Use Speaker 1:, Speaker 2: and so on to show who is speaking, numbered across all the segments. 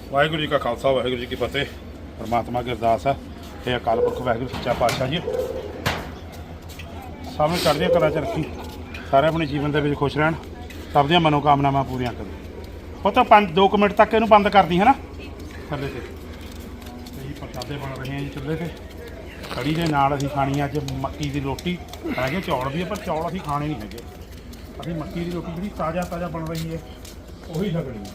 Speaker 1: ਵਾਹਿਗੁਰੂ ਜੀ ਕਾ ਖਾਲਸਾ ਵਾਹਿਗੁਰੂ ਜੀ ਕੀ ਫਤਿਹ। ਪਰਮਾਤਮਾ ਦੀ ਅਰਦਾਸ ਹੈ ਇਹ ਅਕਾਲ ਪੁਰਖ ਵਾਹਿਗੁਰੂ ਸੱਚਾ ਪਾਤਸ਼ਾਹ ਜੀ ਸਭ ਨੂੰ ਚੜ੍ਹਦੀਆਂ ਕਲਾਂ 'ਚ ਰੱਖੀ, ਸਾਰੇ ਆਪਣੇ ਜੀਵਨ ਦੇ ਵਿੱਚ ਖੁਸ਼ ਰਹਿਣ, ਸਭ ਦੀਆਂ ਮਨੋਕਾਮਨਾਵਾਂ ਪੂਰੀਆਂ ਕਰੇ। ਉਹ ਤਾਂ 2 ਮਿੰਟ ਤੱਕ ਇਹਨੂੰ ਬੰਦ ਕਰਦੀ ਹੈ ਨਾ ਥੱਲੇ ਤੇ ਜੀ। ਪ੍ਰਸ਼ਾਦੇ ਬਣ ਰਹੇ ਆ ਜੀ ਚੁੱਲ੍ਹੇ ਤੇ। ਕੜੀ ਦੇ ਨਾਲ ਅਸੀਂ ਖਾਣੀ ਅੱਜ ਮੱਕੀ ਦੀ ਰੋਟੀ। ਹੈਗੇ ਚੌਲ ਵੀ, ਪਰ ਚੌਲ ਅਸੀਂ ਖਾਣੇ ਨਹੀਂ ਹੈਗੇ। ਅਸੀਂ ਮੱਕੀ ਦੀ ਰੋਟੀ ਜਿਹੜੀ ਤਾਜ਼ਾ ਬਣ ਰਹੀ ਹੈ ਉਹੀ ਛਕਣੀ ਹੈ।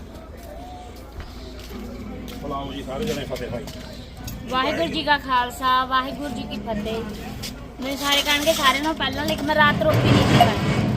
Speaker 1: ਬੁਲਾਓ ਜੀ ਸਾਰੇ ਜਣੇ ਫਤਿਹ ਭਾਈ।
Speaker 2: ਵਾਹਿਗੁਰੂ ਜੀ ਕਾ ਖਾਲਸਾ ਵਾਹਿਗੁਰੂ ਜੀ ਕੀ ਫਤਿਹ। ਮੇਰੇ ਸਾਰੇ ਕਹਿਣਗੇ ਸਾਰਿਆਂ ਨੂੰ ਪਹਿਲਾਂ, ਲੇਕਿਨ ਮੈਂ ਰਾਤ ਰੋਟੀ ਨਹੀਂ ਖਾਣੀ।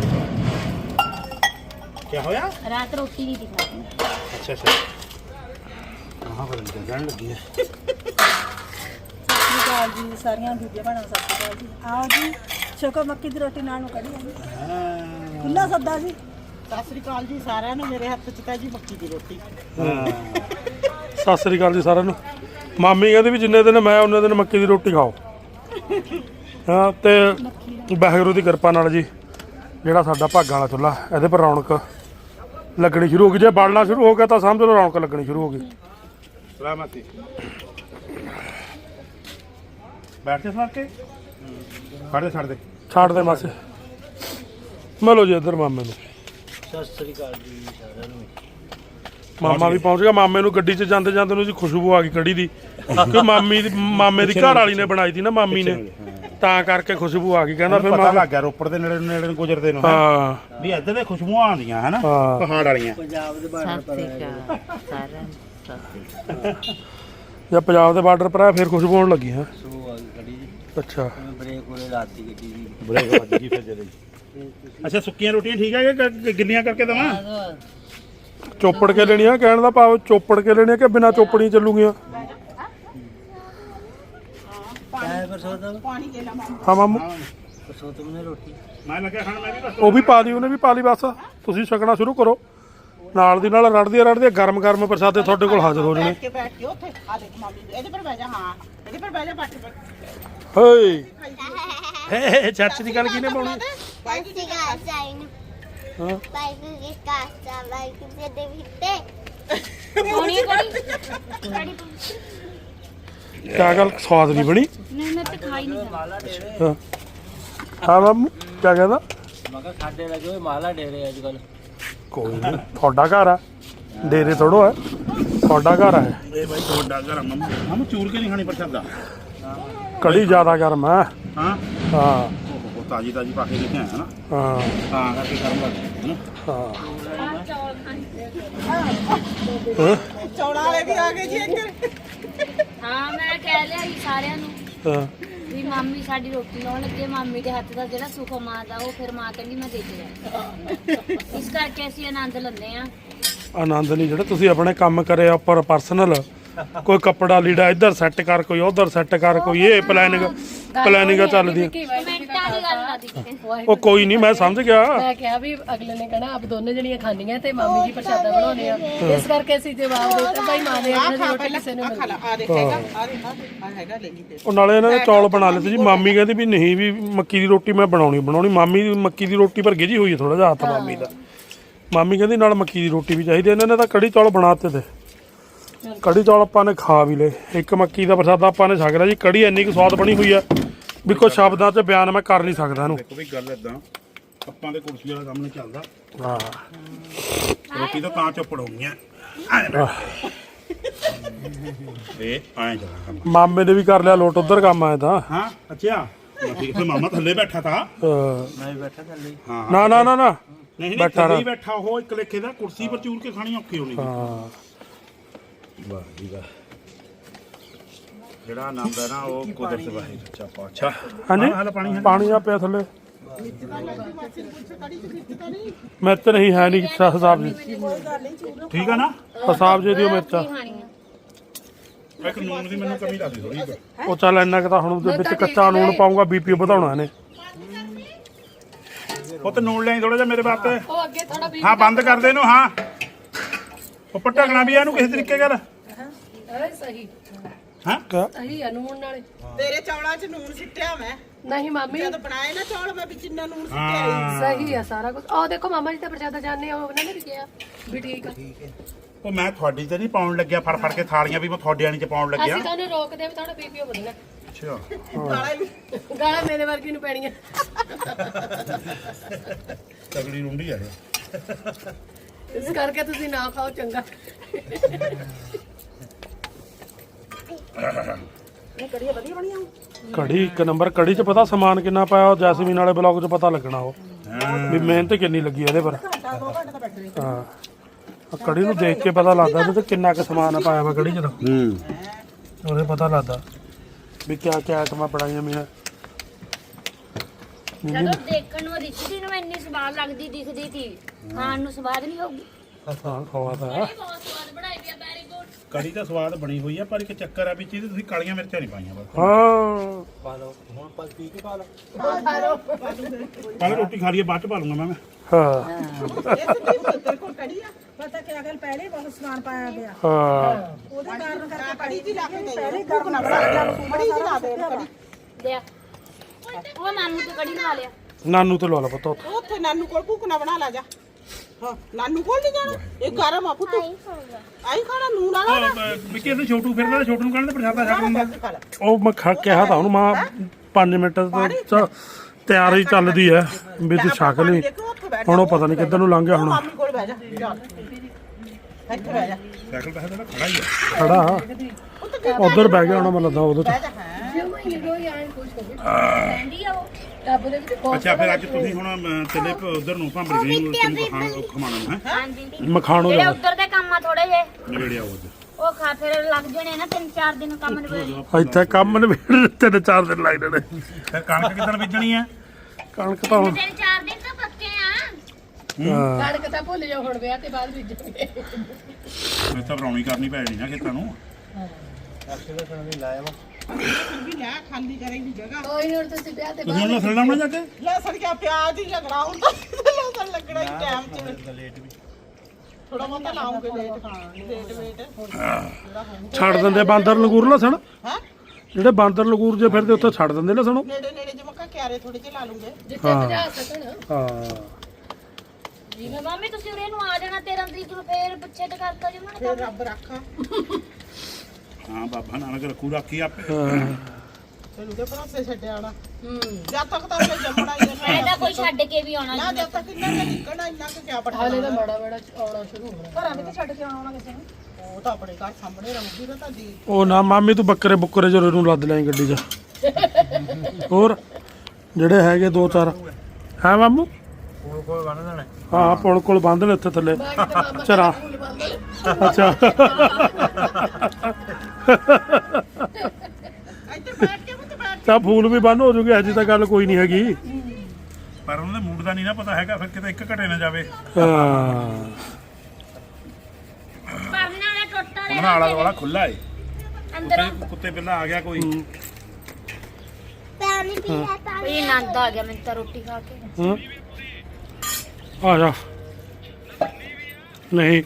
Speaker 1: ਕੀ ਹੋਇਆ?
Speaker 2: ਰਾਤ ਰੋਟੀ ਨਹੀਂ ਖਾਣੀ।
Speaker 1: ਅੱਛਾ ਹਾਂ ਬਦਲ ਜਾਣ ਲੱਗੀ ਹੈ।
Speaker 3: ਸਤਿ ਸ਼੍ਰੀ ਅਕਾਲ ਜੀ ਸਾਰੀਆਂ ਬੀਬੀਆਂ ਭੈਣਾਂ, ਸਤਿ ਸ਼੍ਰੀ ਅਕਾਲ ਜੀ। ਆਓ ਜੀ ਛਕੋ ਮੱਕੀ ਦੀ ਰੋਟੀ ਨਾਲ ਨੂੰ ਕੜੀ ਆ ਜੀ। ਖੁੱਲਾ ਸੱਦਾ ਜੀ।
Speaker 4: ਸਤਿ ਸ੍ਰੀ ਅਕਾਲ ਜੀ ਸਾਰਿਆਂ ਨੂੰ। ਮੇਰੇ ਹੱਥ 'ਚ ਤਾਂ ਜੀ ਮੱਕੀ ਦੀ ਰੋਟੀ।
Speaker 5: ਸਤਿ ਸ੍ਰੀ ਅਕਾਲ ਜੀ ਸਾਰਿਆਂ ਨੂੰ। ਮਾਮੀ ਕਹਿੰਦੀ ਵੀ ਜਿੰਨੇ ਦਿਨ ਮੈਂ ਉਹਨੇ ਦਿਨ ਮੱਕੀ ਦੀ ਰੋਟੀ ਖਾਓ। ਹਾਂ ਤੇ ਵਾਹਿਗੁਰੂ ਦੀ ਕਿਰਪਾ ਨਾਲ ਜੀ ਜਿਹੜਾ ਸਾਡਾ ਭਾਗਾਂ ਵਾਲਾ ਚੁੱਲ੍ਹਾ, ਇਹਦੇ ਪਰ ਰੌਣਕ ਲੱਗਣੀ ਸ਼ੁਰੂ ਹੋ ਗਈ। ਜੇ ਬਲਣਾ ਸ਼ੁਰੂ ਹੋ ਗਿਆ ਤਾਂ ਸਮਝ ਲਓ ਰੌਣਕ ਲੱਗਣੀ ਸ਼ੁਰੂ ਹੋ ਗਈ।
Speaker 1: ਸਲਾਮਤੀ ਬੈਠੇ ਸਮਾਰ ਕੇ ਛੱਡ ਦੇ
Speaker 5: ਛੱਡ ਦੇ ਮਾਸੇ। ਮਿਲੋ ਜੀ ਇੱਧਰ ਮਾਮੇ ਨੂੰ।
Speaker 4: ਸਤਿ ਸ੍ਰੀ ਅਕਾਲ ਜੀ ਸਾਰਿਆਂ ਨੂੰ।
Speaker 5: ਮਾਮਾ ਵੀ ਪਹੁੰਚ ਗਿਆ। ਮਾਮੇ ਨੂੰ ਗੱਡੀ 'ਚ ਜਾਂਦੇ ਨੂੰ ਜੀ ਖੁਸ਼ਬੂ ਆ ਗਈ ਕੜੀ ਦੀ, ਕਿ ਮਾਮੇ ਦੀ ਘਰ ਵਾਲੀ ਨੇ ਬਣਾਈ ਸੀ ਨਾ, ਮਾਮੀ ਨੇ, ਤਾਂ ਕਰਕੇ ਖੁਸ਼ਬੂ ਆ ਗਈ। ਕਹਿੰਦਾ ਫਿਰ
Speaker 1: ਪਤਾ ਲੱਗ ਗਿਆ ਰੋਪੜ ਦੇ ਨੇੜੇ ਨੂੰ ਗੁਜ਼ਰਦੇ ਨੂੰ
Speaker 5: ਹਾਂ
Speaker 1: ਵੀ ਇੱਧਰ ਦੇ ਖੁਸ਼ਬੂਆਂ ਆਉਂਦੀਆਂ ਹੈ ਨਾ ਪਹਾੜ ਵਾਲੀਆਂ।
Speaker 4: ਪੰਜਾਬ ਦੇ ਬਾਰਡਰ ਪਰ
Speaker 5: ਜਦ ਪੰਜਾਬ ਦੇ ਬਾਰਡਰ ਪਰ ਆ ਫਿਰ ਖੁਸ਼ਬੂ ਆਉਣ ਲੱਗੀ ਹੈ।
Speaker 4: ਸੋ ਆ ਗਈ ਕੜੀ ਜੀ।
Speaker 5: ਅੱਛਾ
Speaker 4: ਬ੍ਰੇਕ ਉਹਨੇ ਲਾਤੀ ਗੱਡੀ ਦੀ।
Speaker 1: ਬ੍ਰੇਕ ਵੱਜ ਗਈ ਫਿਰ ਜਦੇ। ਅੱਛਾ ਸੁੱਕੀਆਂ ਰੋਟੀਆਂ ਠੀਕ ਹੈ ਕਿ ਗਿੱਲੀਆਂ ਕਰਕੇ ਦੇਵਾਂ?
Speaker 5: ਚੋਪੜ ਕੇ ਲੈਣੀਆਂ, ਕਹਿਣ ਦਾ ਭਾਵ ਚੋਪੜ ਕੇ ਲੈਣੀਆਂ ਕਿ ਬਿਨਾਂ ਚੋਪੜੀ ਚੱਲੂਗੀਆਂ?
Speaker 4: ਪਾਣੀ ਦੇ ਲਾ
Speaker 5: ਹਾਂ ਮਾਮੂ
Speaker 4: ਪਰਸੋਂ ਤੁਮਨੇ ਰੋਟੀ
Speaker 1: ਮੈਂ ਲੱਗਿਆ ਖਾਣ। ਮੈਂ ਵੀ ਬਸ
Speaker 5: ਉਹ ਵੀ ਪਾ ਲਈ, ਉਹਨੇ ਵੀ ਪਾ ਲਈ। ਬਸ ਤੁਸੀਂ ਛਕਣਾ ਸ਼ੁਰੂ ਕਰੋ। ਨਾਲ ਦੀ ਨਾਲ ਰੜਦੀਆਂ ਗਰਮ ਪ੍ਰਸਾਦੇ ਤੁਹਾਡੇ ਕੋਲ ਹਾਜ਼ਰ ਹੋ ਜਾਣੇ।
Speaker 4: ਬੈਠ ਕੇ ਉੱਥੇ ਆ ਦੇਖ ਮਾਮੀ ਇਹਦੇ ਪਰ ਬਹਿ ਜਾ। ਹਾਂ ਇਹਦੇ ਪਰ ਬਹਿ ਜਾ। ਬੱਟ
Speaker 5: ਹੇ ਚਾਚੀ ਦੀ ਗੱਲ ਕਿਹਨੇ ਪਾਉਣੀ? ਹਾਂ ਕਿਆ ਗੱਲ ਸਵਾਦ ਨਹੀਂ ਬਣੀ?
Speaker 2: ਨਹੀਂ ਮੈਂ ਤਾਂ ਖਾਈ ਨਹੀਂ ਸਕਦੀ।
Speaker 5: ਹਾਂ ਹਾਂ ਮਾਮੂ ਕਿਆ ਕਹਿੰਦਾ?
Speaker 4: ਮੈਂ ਕਿਹਾ ਸਾਡੇ ਲੱਗੇ ਹੋਏ ਮਾਲਾ ਡੇਰੇ ਅੱਜ ਕੱਲ।
Speaker 5: ਕੋਈ ਨਹੀਂ, ਤੁਹਾਡਾ ਘਰ ਆ, ਡੇਰੇ ਥੋੜੋ ਹੈ, ਤੁਹਾਡਾ ਘਰ ਹੈ।
Speaker 1: ਇਹ ਬਾਈ ਤੁਹਾਡਾ ਘਰ ਮੰਮੂ ਚੂਰ ਕੇ ਨਹੀਂ ਖਾਣੀ ਪ੍ਰਸ਼ਾਦਾ।
Speaker 5: ਕੜੀ ਜ਼ਿਆਦਾ ਗਰਮ ਹੈ।
Speaker 1: ਹਾਂ
Speaker 5: ਹਾਂ
Speaker 1: ਉਹ ਤਾਜੀ ਪਾ ਕੇ ਲੈ ਕੇ ਆਇਆ ਨਾ,
Speaker 5: ਹਾਂ
Speaker 1: ਤਾਂ ਕਰਕੇ ਗਰਮ ਲੱਗਦੀ ਹੈ ਨਾ।
Speaker 5: ਹਾਂ
Speaker 4: ਚੌੜਾ ਵਾਲੇ ਵੀ ਆ ਗਏ ਜੀ ਇੱਧਰ।
Speaker 2: ਹਾਂ ਮੈਂ ਕਹਿ ਲਿਆ ਜੀ ਸਾਰਿਆਂ ਨੂੰ
Speaker 5: ਹਾਂ
Speaker 2: ਵੀ ਮਾਮੀ ਸਾਡੀ ਰੋਟੀ ਲਾਉਣ ਲੱਗੇ। ਮਾਮੀ ਦੇ ਹੱਥ ਦਾ ਜਿਹੜਾ ਸੁੱਖ ਮਾਂ ਦਾ, ਉਹ ਫਿਰ ਮਾਂ ਕਹਿੰਦੀ ਮੈਂ ਦੇ ਕੇ ਜਾ। ਇਸ ਕਰਕੇ ਅਸੀਂ ਆਨੰਦ ਲੈਂਦੇ ਆ।
Speaker 5: ਆਨੰਦ ਨਹੀਂ ਜਿਹੜਾ ਤੁਸੀਂ ਆਪਣੇ ਕੰਮ ਕਰਿਆ ਉੱਪਰ ਪਰਸਨਲ, ਕੋਈ ਕੱਪੜਾ ਲੀੜਾ ਇੱਧਰ ਸੈੱਟ ਕਰ, ਕੋਈ ਉੱਧਰ ਸੈੱਟ ਕਰ, ਕੋਈ ਇਹ ਪਲੈਨਿੰਗਾਂ ਚੱਲਦੀਆਂ।
Speaker 2: ਕਮੈਂਟਾਂ ਦੀ ਗੱਲ ਨਾ ਦਿੱਤੇ।
Speaker 5: ਉਹ ਕੋਈ ਨਹੀਂ, ਮੈਂ ਸਮਝ ਗਿਆ।
Speaker 3: ਮੈਂ ਕਿਹਾ ਵੀ ਅਗਲੇ ਨੇ ਕਹਿਣਾ ਆਪ ਦੋਨੇ ਜਣੀਆਂ ਖਾਣੀਆਂ ਤੇ ਮਾਮੀ ਜੀ ਪ੍ਰਸ਼ਾਦਾ ਬਣਾਉਣੇ ਆ, ਇਸ ਕਰਕੇ ਅਸੀਂ ਜਵਾਬ ਦਿੱਤਾ ਭਾਈ ਮਾਂ ਦੇ ਆਪਣੇ ਦੀ ਰੋਟੀ ਕਿਸੇ ਨੂੰ ਮਿਲਦੀ।
Speaker 4: ਆ ਦੇਖ ਹੈਗਾ ਆ ਹੈਗਾ ਲੈ ਲਈ ਤੇ।
Speaker 5: ਉਹ ਨਾਲੇ ਇਹਨਾਂ ਨੇ ਚੌਲ ਬਣਾ ਲਏ ਸੀ ਜੀ। ਮਾਮੀ ਕਹਿੰਦੀ ਵੀ ਨਹੀਂ ਵੀ ਮੱਕੀ ਦੀ ਰੋਟੀ ਮੈਂ ਬਣਾਉਣੀ। ਮਾਮੀ ਦੀ ਮੱਕੀ ਦੀ ਰੋਟੀ ਪਰ ਗਿਜੀ ਹੋਈ ਹੈ ਥੋੜਾ ਜਿਹਾ ਹੱਥ ਮਾਮੀ ਦਾ। ਮਾਮੀ ਕਹਿੰਦੀ ਨਾਲ ਮੱਕੀ ਦੀ ਰੋਟੀ ਵੀ ਚਾਹੀਦੀ। ਇਹਨਾਂ ਨੇ ਤਾਂ ਕੜੀ ਚੌਲ ਬਣਾ ਦਿੱਤੇ ਤੇ ਕੜੀ ਚੌਲ ਆਪਾਂ ਨੇ ਖਾ ਵੀ ਲਏ। ਇੱਕ ਮੱਕੀ ਦਾ ਪ੍ਰਸਾਦਾ ਆਪਾਂ ਨੇ ਛਕ ਲਿਆ ਜੀ। ਕੜੀ ਇੰਨੀ ਕੁ ਸਵਾਦ ਬਣੀ ਹੋਈ ਆ ਵੀ ਕੋਈ ਸ਼ਬਦਾਂ 'ਚ ਬਿਆਨ ਮੈਂ ਕਰ ਨਹੀਂ ਸਕਦਾ ਇਹਨੂੰ।
Speaker 1: ਦੇਖੋ ਵੀ ਗੱਲ ਇਦਾਂ, ਆਪਾਂ ਦੇ ਕੁਰਸੀ ਵਾਲਾ ਕੰਮ ਨਹੀਂ ਚੱਲਦਾ।
Speaker 5: ਹਾਂ
Speaker 1: ਰੋਟੀ ਤਾਂ ਚੋਪੜ ਹੋਣੀਆਂ ਇਹ ਆਏ ਜਰਾ ਕੰਮ।
Speaker 5: ਮਾਮੇ ਨੇ ਵੀ ਕਰ ਲਿਆ ਲੋਟ ਉਧਰ ਕੰਮ ਆਇਆ ਤਾਂ।
Speaker 1: ਹਾਂ ਅੱਛਾ ਠੀਕ ਹੈ। ਮਾਮਾ ਥੱਲੇ ਬੈਠਾ ਥਾ।
Speaker 4: ਮੈਂ ਵੀ ਬੈਠਾ ਥੱਲੇ।
Speaker 1: ਹਾਂ
Speaker 5: ਨਾ
Speaker 1: ਨਹੀਂ
Speaker 5: ਬੈਠਾ
Speaker 1: ਥੱਲੇ ਹੀ ਬੈਠਾ ਉਹ ਇੱਕ ਲੇਖੇ ਦਾ। ਕੁਰਸੀ ਪਰ ਚੂਰ ਕੇ ਖਾਣੀ ਔਖੀ ਹੋਣੀ।
Speaker 5: ਹਾਂ
Speaker 1: ਵਾਹ ਜੀ ਵਾਹ। ਜਿਹੜਾ ਆਨੰਦ ਹੈ ਨਾ ਉਹ ਕੁਦਰਤ ਵਾਹਿਗੁਰੂ ਸੱਚਾ ਪਾਤਸ਼ਾਹ।
Speaker 5: ਹਾਂਜੀ
Speaker 1: ਹਾਲ ਪਾਣੀ
Speaker 5: ਪਾਣੀ ਆ ਪਿਆ ਥੱਲੇ। ਮਿਰਚ ਨਹੀਂ ਹੈ ਨਹੀਂ ਸਾਹਿਬ ਜੀ।
Speaker 1: ਠੀਕ ਆ ਨਾ।
Speaker 5: ਸਾਹਿਬ ਜੀ ਦਿਓ ਮਿਰਚਾਂ।
Speaker 1: ਇੱਕ ਨੂਨ ਦੀ ਮੈਨੂੰ ਕਮੀ ਲੱਗਦੀ ਥੋੜੀ।
Speaker 5: ਉਹ ਚੱਲ ਇੰਨਾ ਕੁ ਤਾਂ ਹੁਣ ਉਹਦੇ ਵਿੱਚ ਕੱਚਾ ਨੂਣ ਪਾਉਂਗਾ, ਬੀਪੀ ਵਧਾਉਣਾ ਇਹਨੇ।
Speaker 1: ਉਹ ਤੇ ਨੂਨ ਲਿਆਈ ਥੋੜਾ ਜਿਹਾ ਮੇਰੇ ਵਾਸਤੇ। ਹਾਂ ਬੰਦ ਕਰ ਦੇ ਇਹਨੂੰ। ਹਾਂ ਉੱਪਰ ਢਕਣਾ ਵੀ ਇਹਨੂੰ ਕਿਸੇ ਤਰੀਕੇ ਨਾਲ।
Speaker 3: ਸਹੀ
Speaker 1: ਹਾਂ
Speaker 3: ਸਹੀ ਆ ਨੂਣ ਨਾਲੇ।
Speaker 4: ਤੇਰੇ ਚੌਲਾਂ 'ਚ ਨੂਨ ਸਿੱਟਿਆ ਮੈਂ
Speaker 3: ਨਹੀਂ ਮਾਮੀ
Speaker 4: ਜਦੋਂ ਬਣਾਏ ਨਾ ਚੌਲ, ਮੈਂ ਵਿੱਚ ਇੰਨਾ ਨੂਨ ਸਿੱਟਿਆ।
Speaker 3: ਸਹੀ ਆ ਸਾਰਾ ਕੁਝ। ਆਹ ਦੇਖੋ ਮਾਮਾ ਜੀ ਤਾਂ ਪ੍ਰਸ਼ਾਦਾ ਜਾਣੇ ਆ, ਉਹਨਾਂ ਨੇ ਵੀ ਕਿਹਾ ਵੀ ਠੀਕ ਆ।
Speaker 1: ਉਹ ਮੈਂ ਤੁਹਾਡੀ ਤੇ ਨਹੀਂ ਪਾਉਣ ਲੱਗਿਆ ਫੜ ਫੜ ਕੇ ਥਾਲੀਆਂ ਵੀ ਮੈਂ ਤੁਹਾਡੇ ਆਣੀ ਚ ਪਾਉਣ ਲੱਗਿਆ
Speaker 6: ਅਸੀਂ ਤੁਹਾਨੂੰ ਰੋਕਦੇ ਵੀ ਤੁਹਾਡਾ ਬੀਪੀ ਵਧਣਾ
Speaker 1: ਅੱਛਾ
Speaker 6: ਗਾਲਾਂ ਮੇਰੇ ਵਰਗੀ ਨੂੰ ਪੈਣੀਆਂ
Speaker 1: ਤਗੜੀ ਰੁੰਡੀ ਆ ਇਹ।
Speaker 6: ਇਸ ਕਰਕੇ ਤੁਸੀਂ ਨਾ ਖਾਓ ਚੰਗਾ
Speaker 3: ਇਹ ਕੜੀਆਂ ਵਧੀਆ ਬਣੀਆਂ
Speaker 5: ਕੜੀ ਇੱਕ ਨੰਬਰ ਕੜੀ 'ਚ ਪਤਾ ਸਮਾਨ ਕਿੰਨਾ ਪਾਇਆ ਉਹ ਜੈਸਮੀਨ ਵਾਲੇ ਬਲੌਗ 'ਚ ਪਤਾ ਲੱਗਣਾ ਉਹ ਵੀ ਮਿਹਨਤ ਕਿੰਨੀ ਲੱਗੀ ਇਹਦੇ ਪਰ
Speaker 3: ਘੰਟਾ 2 ਘੰਟੇ ਤਾਂ ਬੈਠੇ
Speaker 5: ਹਾਂ ਆਹ ਕੜੀ ਨੂੰ ਦੇਖ ਕੇ ਪਤਾ ਲੱਗਦਾ ਇਹਦੇ 'ਚ ਕਿੰਨਾ ਕੁ ਸਮਾਨ ਪਾਇਆ ਵਾ ਕੜੀ 'ਚ ਤਾਂ ਉਹਦੇ ਪਤਾ ਲੱਗਦਾ ਵੀ ਕਿਆ ਕਿਆ ਆਈਟਮਾਂ ਬਣਾਈਆਂ ਮੀਆਂ
Speaker 2: ਜਦੋਂ ਦੇਖਣ ਨੂੰ ਰਿਸ਼ਤੀ ਨੂੰ ਇੰਨੀ ਸਵਾਦ ਲੱਗਦੀ ਦਿਖਦੀ ਸੀ ਖਾਣ ਨੂੰ ਸਵਾਦ ਨਹੀਂ ਹੋਊਗੀ
Speaker 5: ਹਾਂ ਖਵਾ ਤਾਂ
Speaker 2: ਬਹੁਤ ਸਵਾਦ ਬਣਾਈ ਵੀ ਆ ਵੈਰੀ ਗੁੱਡ
Speaker 1: ਕੜੀ ਤਾਂ ਸਵਾਦ ਬਣੀ ਹੋਈ ਆ ਪਰ ਇੱਕ ਚੱਕਰ ਆ ਵੀ ਚੀਜ਼ ਤੁਸੀਂ ਕਾਲੀਆਂ ਮਿਰਚਾਂ ਨਹੀਂ ਪਾਈਆਂ ਬਸ
Speaker 5: ਹਾਂ
Speaker 1: ਪਹਿਲਾਂ ਰੋਟੀ ਖਾ ਲਈਏ ਬਾਅਦ ਚ ਪਾ ਲੂੰਗਾ ਮੈਂ
Speaker 5: ਹਾਂ
Speaker 4: ਤੇਰੇ ਕੋਲ ਕੜੀ ਆ
Speaker 3: ਪਤਾ ਕਿ ਅਗਲ ਪਹਿਲੇ ਹੀ ਬਹੁਤ ਸਮਾਨ ਪਾਇਆ ਗਿਆ
Speaker 5: ਹਾਂ
Speaker 3: ਉਹਦੇ ਕਾਰਨ ਕਰਕੇ
Speaker 4: ਕੜੀ ਦੀ ਲਾ ਕੇ ਦੇ
Speaker 3: ਪਹਿਲੇ ਗਰਮ ਨਾ ਬਣਾ ਲਿਆ
Speaker 4: ਕੜੀ ਦੀ ਲਾ ਦੇ ਕੜੀ
Speaker 2: ਦੇ ਆ। ਉਹ ਮਾਮੂ ਤੋਂ ਕੜੀ ਲਵਾ ਲਿਆ
Speaker 5: ਨਾਨੂ ਤੇ ਲਾ ਲਾ ਪਤਾ ਉੱਥੇ
Speaker 4: ਉੱਥੇ ਨਾਨੂ ਕੋਲ ਭੁੱਕਣਾ ਬਣਾ ਲਾ ਜਾ ਹਾਂ ਨਾਨੂ ਕੋਲ ਨਹੀਂ ਜਾਣਾ ਇਹ ਗਰਮ ਆ ਪੁੱਤ ਆਈ ਖਾਣਾ ਨੂਨ ਵਾਲਾ
Speaker 1: ਵਿੱਕੀ ਇਹਦੇ ਛੋਟੂ ਫਿਰਦਾ ਛੋਟੂ ਨੂੰ ਕਹਿੰਦੇ ਪ੍ਰਸ਼ਾਦਾ ਛਕ ਦਿੰਦਾ
Speaker 5: ਉਹ ਮੈਂ ਕਿਹਾ ਤਾਂ ਉਹਨੂੰ ਮਾਂ 5 ਮਿੰਟ ਤੋਂ ਤਿਆਰੀ ਚੱਲਦੀ ਹੈ ਵੀ ਤੂੰ ਛਕ ਲਈ ਹੁਣ ਉਹ ਪਤਾ ਨਹੀਂ ਕਿੱਧਰ ਨੂੰ ਲੰਘ ਗਿਆ ਹੁਣ
Speaker 4: ਮਾਮੀ ਕੋਲ ਬਹਿ ਜਾ ਚੱਲ ਇੱਥੇ ਬਹਿ ਜਾ
Speaker 1: ਸਾਈਕਲ ਤਾਂ ਇਹਦਾ ਖੜਾ ਹੀ ਆ
Speaker 5: ਖੜਾ ਉਧਰ ਬਹਿ ਗਿਆ ਹੁਣ ਮੈਨੂੰ ਲੱਗਦਾ ਉਹਦੇ
Speaker 4: ਬਹਿ ਜਾ ਹਾਂ
Speaker 2: ਕਹਿੰਦੀ ਆ ਉਹ
Speaker 6: ਰੱਬ ਦੇ ਵਿੱਚ
Speaker 1: ਅੱਛਾ ਫਿਰ ਅੱਜ ਤੁਸੀਂ ਹੁਣ ਚੱਲੇ ਉਧਰ ਨੂੰ ਭਾਂਬਰੀ ਗਈ ਤੈਨੂੰ ਖਮਾਣਾ ਨੂੰ ਹੈ
Speaker 2: ਹਾਂਜੀ
Speaker 5: ਮਖਾਣੋ
Speaker 2: ਜਿਹੜੇ
Speaker 5: ਜਾ
Speaker 2: ਉੱਧਰ ਦੇ ਕੰਮ ਆ ਥੋੜੇ ਜੇ
Speaker 1: ਨਵੇੜਿਆ ਉਹ
Speaker 2: ਉਹ ਖਾ ਫਿਰ ਲੱਗ ਜਣੇ ਨਾ 3-4 ਦਿਨ ਕੰਮ ਨਵੇੜ
Speaker 5: ਇੱਥੇ ਕੰਮ ਨਵੇੜ 3-4 ਦਿਨ ਲੱਗ ਜਾਣੇ
Speaker 1: ਫਿਰ ਕਣਕ ਕਿੱਦਣ ਬੀਜਣੀ ਆ
Speaker 5: ਕਣਕ ਤਾਂ ਹੁਣ
Speaker 2: 3-4 ਦਿਨ ਤਾਂ ਪੱਕੇ ਆ
Speaker 5: ਹਾਂ
Speaker 6: ਕਣਕ ਤਾਂ ਭੁੱਲ ਜਾਓ ਹੁਣ ਵਿਆਹ ਤੇ ਬਾਅਦ ਬੀਜਣਗੇ
Speaker 1: ਮੈਂ ਤਾਂ ਬਣਾਉਣੀ ਕਰਨੀ ਪੈਣੀ ਨਾ ਖੇਤਾਂ ਨੂੰ
Speaker 4: ਵੀ ਲੈ ਖਾਲੀ ਕਰੇਗੀ ਜਗ੍ਹਾ
Speaker 6: ਕੋਈ ਨਹੀਂ ਤੁਸੀਂ ਵਿਆਹ ਤੇ
Speaker 1: ਤੁਸੀਂ ਹੁਣ ਲਸਣ ਲਾਉਣਾ ਜਾ ਕੇ
Speaker 4: ਲਸਣ ਕਿਆ ਪਿਆਜ਼ ਹੀ ਝਗੜਾ ਹੁੰਦਾ ਲਸਣ ਲੱਗਣਾ ਹੀ ਟਾਈਮ ਚ ਥੋੜਾ ਬਹੁਤਾ ਲਾਉਂਗੇ ਲੇਟ ਵੇਟ
Speaker 5: ਛੱਡ ਦਿੰਦੇ ਬਾਂਦਰ ਲੰਗੂਰ ਲਸਣ
Speaker 4: ਹਾਂ
Speaker 5: ਜਿਹੜੇ ਬਾਂਦਰ ਲੰਗੂਰ ਜੇ ਫਿਰਦੇ ਉੱਥੇ ਛੱਡ ਦਿੰਦੇ ਲਸਣ ਉਹ।
Speaker 4: ਨੇੜੇ ਨੇੜੇ ਜਿਵੇਂ ਕਾ ਕਿਆਰੇ ਥੋੜੇ ਜਿਹੇ ਲਾ ਲੂੰਗੇ
Speaker 6: ਜਿੱਥੇ ਭਜਾ ਸਕਣ
Speaker 5: ਹਾਂ
Speaker 2: ਜਿਵੇਂ ਮਾਮੀ ਤੁਸੀਂ ਉਰੇ ਨੂੰ ਆ ਜਾਣਾ 13 ਤਰੀਕ ਨੂੰ ਫੇਰ ਪਿੱਛੇ ਤੇ ਕਰਤਾ ਜੀ ਉਹਨਾਂ ਨੇ
Speaker 4: ਫਿਰ ਰੱਬ ਰੱਖਾ
Speaker 1: ਹਾਂ ਬਾਬਾ ਨਾਨਕ ਰੱਖੂ ਰਾਖੀ ਆਪੇ
Speaker 4: ਤੈਨੂੰ ਤੇ ਭਰੋਸੇ ਛੱਡਿਆ ਆਣਾ ਜਦ ਤੱਕ ਤਾਂ ਉਹਨੇ ਜੰਮਣਾ ਹੀ
Speaker 2: ਮੈਂ
Speaker 4: ਹੈ
Speaker 2: ਤਾਂ ਕੋਈ ਛੱਡ ਕੇ ਵੀ ਆਉਣਾ
Speaker 4: ਨਾ
Speaker 2: ਨਹੀਂ
Speaker 4: ਜਦ ਤੱਕ ਇੰਨਾ ਕੁ ਨਿਕਲਣਾ ਇੰਨਾ ਕੁ ਕਿਆ ਪਟਾ
Speaker 6: ਹਾਲੇ ਤਾਂ ਮਾੜਾ ਮਾੜਾ ਆਉਣਾ ਸ਼ੁਰੂ ਹੋਣਾ
Speaker 3: ਘਰਾਂ ਵਿੱਚ ਛੱਡ ਕੇ ਆਉਣਾ ਕਿਸੇ ਨੂੰ
Speaker 4: ਉਹ ਤਾਂ ਆਪਣੇ ਘਰ ਸਾਹਮਣੇ ਰਹੂਗੀ ਨਾ ਤਾਂ ਜੀ
Speaker 5: ਉਹ ਨਾ ਮਾਮੀ ਤੂੰ ਬੱਕਰੇ ਬੁੱਕਰੇ ਜੋਰੇ ਨੂੰ ਲੱਦ ਲੈ ਗੱਡੀ 'ਚ ਹੋਰ ਜਿਹੜੇ ਹੈਗੇ 2-4 ਹੈ ਮਾਮੂ ਹਾਂ ਪੁਲ ਕੋਲ ਬੰਦ ਨੇ ਉੱਥੇ ਥੱਲੇ ਚਰਾ ਅੱਛਾ
Speaker 4: ਇੱਥੇ ਬੈਠ ਕੇ ਮੁੱਤ ਬੈਠ
Speaker 5: ਤਾਂ ਫੂਲ ਵੀ ਬੰਦ ਹੋ ਜੂਗੇ ਅਜੇ ਤਾਂ ਗੱਲ ਕੋਈ ਨਹੀਂ ਹੈਗੀ
Speaker 1: ਪਰ ਉਹਨਾਂ ਦੇ ਮੂਡ ਦਾ ਨਹੀਂ ਨਾ ਪਤਾ ਹੈਗਾ ਫਿਰ ਕਿਤੇ ਇੱਕ ਘਟੇ ਨਾ ਜਾਵੇ
Speaker 5: ਹਾਂ
Speaker 2: ਪਰਨਾ ਵਾਲਾ ਟੁੱਟਾ
Speaker 1: ਉਹਨਾਂ ਆਲਾ ਵਾਲਾ ਖੁੱਲਾ ਏ
Speaker 2: ਅੰਦਰੋਂ
Speaker 1: ਕੁੱਤੇ ਪਹਿਲਾਂ ਆ ਗਿਆ ਕੋਈ
Speaker 2: ਇਹ ਆਨੰਦ ਆ ਗਿਆ ਮੈਨੂੰ ਤਾਂ ਰੋਟੀ ਖਾ ਕੇ
Speaker 5: ਹਾਂ ਆ ਜਾ ਨਹੀਂ